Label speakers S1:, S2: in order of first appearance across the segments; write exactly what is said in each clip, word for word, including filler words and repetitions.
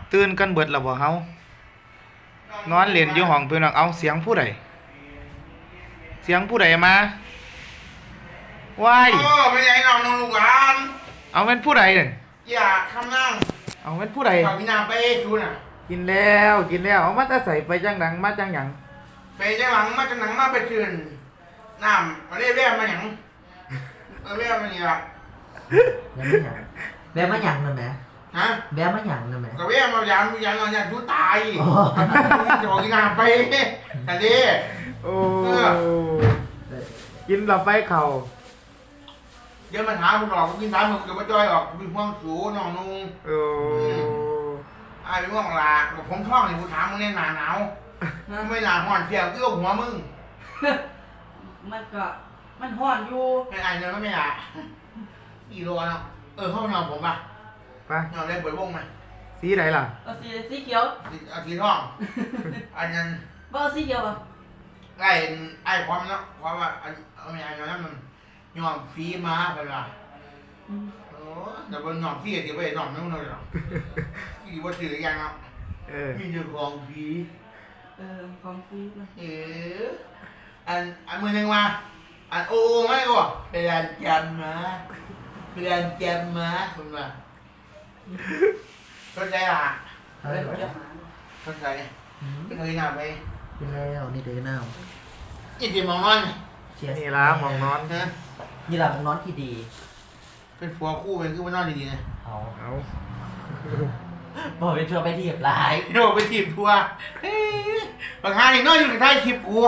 S1: ตื่นกันเบิดแล้วบ่เฮานอนเล่นอยู่ห้องเพิ่นเอาเสียงผู้ใดเสียงผู้ใดมาว้าย
S2: โอ้เป็นไงน้องน้องลูกหลาน
S1: เอาเป็นผู้ใดเนี่ย
S2: อยากคำนั่ง
S1: เอาเป็นผู้ใด
S2: ขอพี่นาไปดูน่ะ
S1: กินแล้วกินแล้วเอามาแต่ใส่ไปจังหนังมาจังหยัง
S2: ไปจังหลังมาจังหลังมาไปเตือนน้ำมาเรียกเรียกมาหยังมาเรียกมาเนี่ย
S3: แม่มาหยังแม่มาหยังนั่นแหม
S2: ฮะ
S3: แม่มาหยังนั่นแหม
S2: ก็เรียกมาหยังหยังหยังดูตายจะบอกพี่นาไปแต่ดิ
S1: โอ้กินเราไปเข่า
S2: เดี๋ยวมันหาคุณออกกินน้ำมึงจะมาจ้อยออกมีความสูงน้องนุ่ง
S1: โอ้
S2: ไอ้เรื่องลาบอกผมท้องนี่กูถามมึงเนี่ยหนาหนาวไม่หนาห่อนเสียวเกี่ยวหัวมึง
S4: มันก็มันห่อนอยู่
S2: ไม่ไอ้เนื้อไม่หนากี่โลเนาะเออเข้านอนผมป่ะ
S1: ไป
S2: นอนเล่นเปิดวงไหม
S1: สีไหนล่ะ
S4: เอาสีสีเขียว
S2: อาทีท้องอันนั้น
S4: บ่เอาสีเขียวอ่ะ
S2: ไอ้ไอ้ความเนาะความว่าอันเอาไม่ไอ้เนาะนั่นมันยอมฟรีมาไปละโอ้แต่บนยอมฟรีที่ไปยอมนั่งเลยหรอที่ว่าถือยังเนาะ
S1: เออ
S2: มีเจ้าของฟรี
S4: เออของฟรีนะ
S2: เอออันอันมือหนึ่งมาอันโอ้ไม่ก็ไปเรียนจำมาไปเรียนจำมาคุณมาเข้าใจอ่ะ
S4: เออเดี๋ยวหา
S2: เข้าใจไม่เคยหนาไป
S3: กินแล้วนี่เด้อน้า
S2: ยี่สิบมองนอน
S3: เชียร์
S1: นี่ละหมองนอน
S2: นะ
S3: นี่ล่ะมึงนอนที่ดี
S2: เป็นผัวคู่เป็นคือว่านอนดีๆนะ
S3: เอา
S1: เอา
S3: บอกเป็นชัวร์ไปที่หลาย
S2: โดดไปถีบผัวเฮ้ยบางครั้งนี่นอนอยู่ในท้ายคลิปกู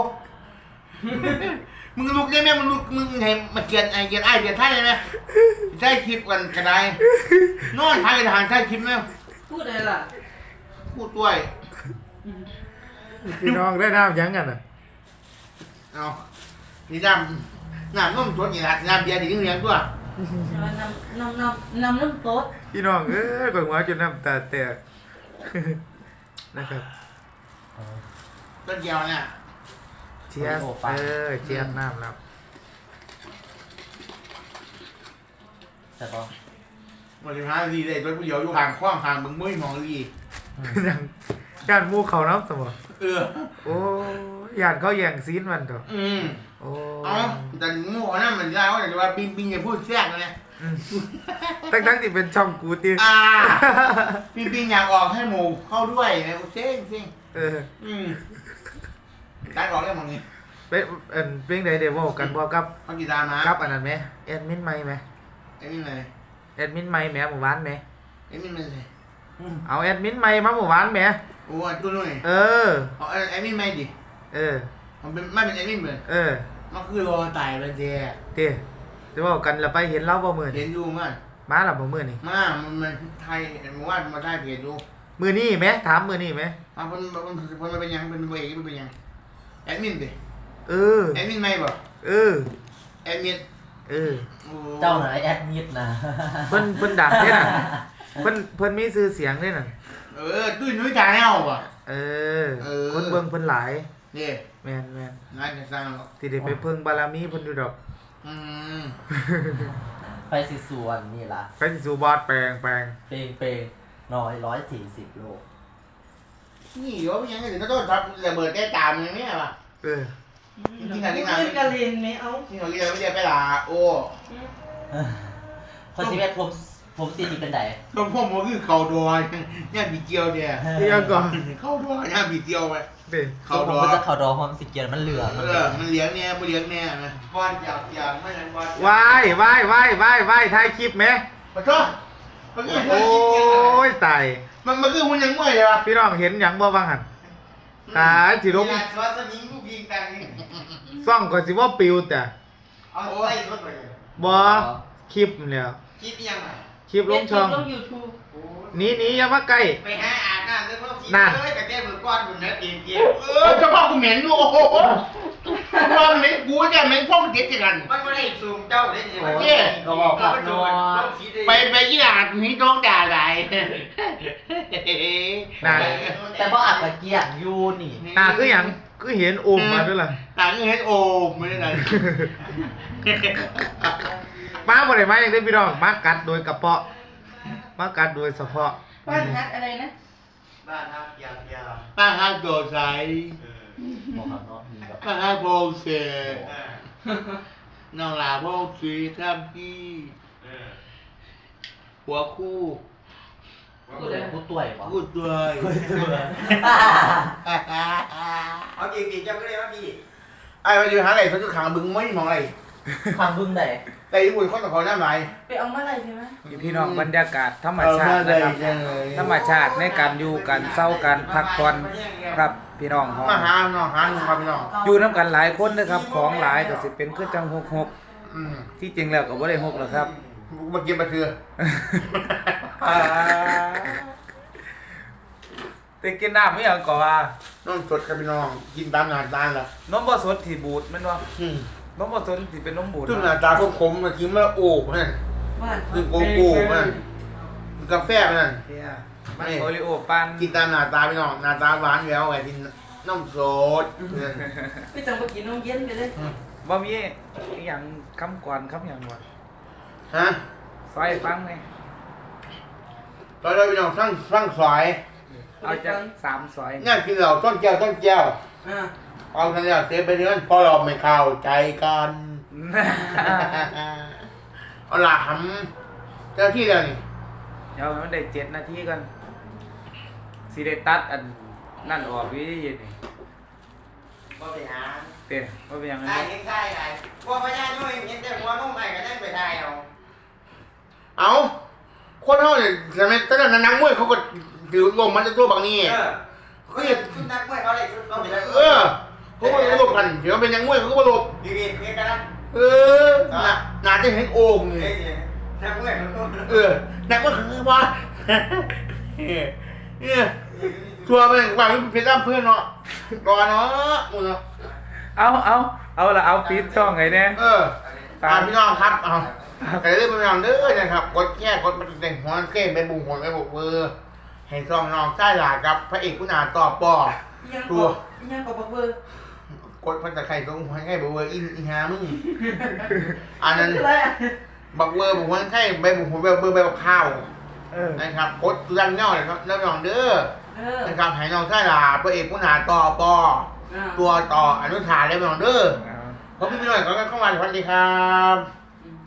S2: มึงลุกได้ไหมมึงลุกมึงเห็นมาเกียนไอเกียนไอเกียนท้ายได้ไหมท้ายคลิปกันกระไดนอนท้ายทางท้ายคลิปไหม
S4: พูดอะไรล่ะ
S2: พูดด้วย
S1: พี่น้องได้น้ำยังกันอ่ะ
S2: เอานี่น้ำน้ำน้มตัวนี่ละน้ำเบียร์ดีเลี้ยงตัว
S4: นำนำนำนำน้ำโต๊ด
S1: พี่น้องเอ้ยเบิ่งว่าจนน้ำตาแตก นะครับ
S2: ต้นเดียวเนี่ย
S1: เชียร์เออเชียร์น้ำครับ
S3: แต่ก็
S2: บริหารดีเลยต้นเดียวอยู่ห่างคว้างห่างมึงไม่มองดี
S1: ยังญาติหมูเขาน้ำสมอ
S2: เออ
S1: โอ้ญาติเขาแย่งซีนมันต่อ
S2: อืม
S1: โอ้
S2: เอาแต่หมูนั่นมันได้ว่าแต่ว่าปิงปิงอย่าพูดแทรกนะ
S1: อืมตั้งทั้งที่เป็นช่องกูตี
S2: อ่าปิงปิงอยากออกให้หมูเข้าด้วยนะเจ๊งเจ๊ง
S1: เออ
S2: อืมการออกเรื่องมันนี่
S1: เป็นเอ็นเป็นไดเดวอกันบ่กับ
S2: เขากีตาร์มา
S1: กับอันนั้นไหมแอดมินไม่ไหม
S2: ไอ้นี่ไง
S1: แอดมินไม่แหมหมู่บ้านไหม
S2: ไอ้นี่มันไง
S1: เอาแอดมินไม่มาหมู่บ้านไหม
S2: โอ้ตัวนู้น
S1: เออ
S2: เอาไอ้นี่ไม่ดิ
S1: เออ
S2: มันเป็นไม่เป็นไอ้นี่เหมือน
S1: เออ
S2: มันคือรอตายไปเจ๊
S1: เต้จะบอกกันแล้วไปเห็นเล่าบ่มือ
S2: เห็
S1: นี่
S2: นอยู่มั้ย
S1: มาหลับบ่มือนี่
S2: มามันมันไทยมันว่ามาได้เพจดู
S1: มือนี่ไหมถามมือนี่ไหม
S2: อ่ะมันมันมันเป็นยังเป็นเวกมันเป็นยังแอดมินดิ
S1: เออ
S2: แอดมินไม่บ่
S1: เออ
S2: แอดมิน
S1: เออ
S3: เจ้าหน่อยแอดมิดนะ
S1: เพิ่นเพิ่นดังเด้น่ะเพิ่นเพิ่นมีชื่อเสียงเด้น่ะ
S2: เออตุ้ยนุ้ยจ่าแนวบ่
S1: เออ
S2: เออ
S1: คนเบิ่งเพิ่นหลาย
S2: นี่
S1: แม่นแม่น
S2: นายจะสร้างหรอ
S1: ที่ได้ไปเพิ่งบารมีเพิ่นอยู่ดอก
S2: อืม
S3: ไปสิส่วนนี่ล่ะ
S1: ไปสิสู่บอดแปลงแปลง
S3: เปงเปงน้อยร้อยสี่สิบโล
S2: นี่เดี๋ยวยังไงถึงก็ต้องทำระเบิดแก้ตามยังไงป่ะ
S1: เออ
S2: จริงๆนะจริงๆนะ
S4: เล่นกะเลนไหมเอา
S2: ที่เราเรียนไม่ได้ไปด่าโอ้
S3: คนสิบเอ็ดผมผมตีนี่เป็นไหน
S2: ต้นพ่อมันคือเข่าดอยเนี่ยบีเจียวเนี่ย
S1: เดี๋ยวก่อน
S2: เข่าดอยเนี่ยบีเจียวไป
S1: เด้
S2: เข่า
S3: ผ
S2: ด
S3: ม
S2: อ
S3: ก็
S2: ย
S3: จะเข่าดอความสิเกียร์มันเหลือง
S2: เออมันเลี้ยงเนี่ยมันเลี้ยงเนี่ยนะบอลอยากอยากไม่ใช่บอล
S1: วายวายวายวายวายถ่ายคลิปไหม
S2: ขอโทษมันคือ
S1: โอ้ยตาย
S2: มันมันคือมันยังง่วยเลยว่ะ
S1: พี่น้องเห็นหยังบ่บ้างหั่นตายสิลง
S2: สวัสดีลูกยิงกันนี่
S1: ซ่องก็สิว่าปิวแต่
S2: เอาไอ้รถไปเลย
S1: บ่คลิปนี่แหล้ว
S2: คิดยังไง
S1: คลิปลงช่อง
S4: ลงยูทูบ
S1: หนีหนีอย่ามาใกล้
S2: ไปหาอ่านน้ำแล้วก็สี
S1: นั่น
S2: เอ้ยกับแก้มือก้อนบุญนะเกียงเกียงเออเจ้าพ่อกูเหม็นอยู่โอ้โหพ่อเหม็นกูจะเหม็นพ่อกูเด็ดกัน
S5: มันไม่ได้ซูมเจ้าได้ยังไง
S2: เจ้
S3: ก็บอกผักนอน
S2: ไปไปยี่หลาดนี้ต้องด่าอะไร
S1: น่า
S3: แต่ว่าอัดตะเกียงยูนี่
S1: น่าคือหยังคือเห็นโอมมาด้วยล่ะ
S2: ต่างเฮ็ดโอมไม่ได้ไร
S1: มาบ่ได้มาอย่างเด้พี่น้องมากัดโดยกระเพาะมากัดโดยเฉพาะ
S4: บ้านฮักอะไรนะ
S5: บ้านฮักยาวยาว
S2: ป้าฮักโดดใส
S5: เออ
S3: บอกครับเนาะมีแบบ
S2: ป้าฮักโบเส
S5: เออ
S2: น้องหลาโบสีทำพี่
S5: เออ
S2: หัวคู่
S3: พูดเลยพูดตัวเหรอ
S2: คู่ด้วย
S5: เอาจริงๆจำก็ได้ว่าพี่
S2: ไอ้มาอยู่หาอะไรเขาจะขังบึงไม่มองอะไร
S3: ทางบึ้งไหน
S2: แต่ญี่ปุ่นคนต่างคนน้ำไหล
S4: ไปเอามาอะไรใช่ไหม
S1: พี่น้องบรรยากาศธรรมชาตินะครับ ธรรมชาติในการอยู่กันเศร้ากันพักผ่อนครับพี่น้องของ
S2: มาหาน้องหาหนุ่มครับพี่น้อง
S1: อยู่น้ำกันหลายคนนะครับ ของหลายก็สิเป็นคือจังหกหก
S2: อืม
S1: ที่จริงแล้วก็บ่ได้หกหรอกครับ
S2: มากินมาคือ
S1: แต่กินน้ำไม่อย่างก่อว่า
S2: น้องสดครับพี่น้องกินตามหน้าตาล่ะ
S1: นมบ่สดที่บูดแม่นบ่
S2: อืม
S1: นมบ่สดที่เป็นนมบูด
S2: ซึ่งหน้าตาคมๆมากินมาโอ้มัน
S4: บ้าน
S2: คือโกโก้มันกาแฟมัน
S1: เที่ยมันโอริโอปั่น
S2: กินตามหน้าตาพี่น้องหน้าตาหวานแล้วไอ้กินน้ำสดเนี่ย
S4: ไปจังไปกินนมเย็นไปเลย
S1: บ่มีอีหยังคำก่อนคำหยังบ่
S2: ฮะ
S1: ซอยฟังนี่
S2: ตอนนี้พี่น้องสร้างสร้างสาย
S1: เอาจากสามซอย
S2: เนี่ยกินเหล้าต้นแก้วต้นแก้ว
S4: อ่า
S2: เอาทันแล้วเตะไปเรื่อยเพราะเราไม่เข้าใจกัน เอาล่ะหำเจ้าที่แล้วนี่
S1: เดี๋ยวให้มันได้เจ็ดนาทีก่อนสิได้ตัดอันนั่นออกวิธีนี่
S5: ก็ไปหา
S1: เต้บ่เป็นหยังไง
S5: ได้เห็นได้ไงพวกพญาน้อยเห็นแต่หัวนุ่มไปก็ยังไปได้เอา
S2: เอาคนเขาเนี่ยทำไมตอนนั้นนักมวยเขาก็ถือลมมันจะตัวบางนี่
S5: เออเขาเห็นชุดนักมวยเขาเลยชุดเขาไปได้
S2: เออเขาก็ระบบกันเดี๋ยวเป็นนักมวยเขาก็ระบบ
S5: ดีดีเพียงกันนะ
S2: เออน่าน่าจะเห็นโอ่ง
S5: เฮ้
S2: นี่
S5: ยนักมวยเขา
S2: เออนักมวยคือว่าเนี่ยชัวร์ไปว่าเป็นร่ำเพื่อนเนาะก่อนเนาะมึงเนาะ
S1: เอาเอาเอาละเอาฟีดช่องไงเนี่ย
S2: เออตามพี่น้องครับเอาแต่เรื่องพี่น้องเด้อนะครับกดแค่กดมันแต่งหัวเก้ไปบุงหัวไปบุกเบอร์ให้ซองน้องใต้หลากับพระเอกคุณอาต่อปอ
S4: ยังก็ยังก็บอกเบอร์
S2: กดพันตะไคร้ตรงหัวไข่บุกเบอร์อินอีหามึงอันนั้น
S4: อะไรอ่ะ
S2: บักเบอร์บุกหัวไข่ใบบุกหัวเบอร์เบอร์ใบบักข้าว
S1: เออ
S2: นะครับกดยันเงาเลยครับแล้วน้องเด้อ
S4: เออ
S2: นะครับให้น้องใต้หลาพระเอกคุณอาต่อปอ
S4: อ่า
S2: ตัวต่ออนุชาเลยน้องเด้อ
S1: เอา
S2: ขอบคุณพี่หน่อยขอบคุณเข้ามาสวัสดีครับ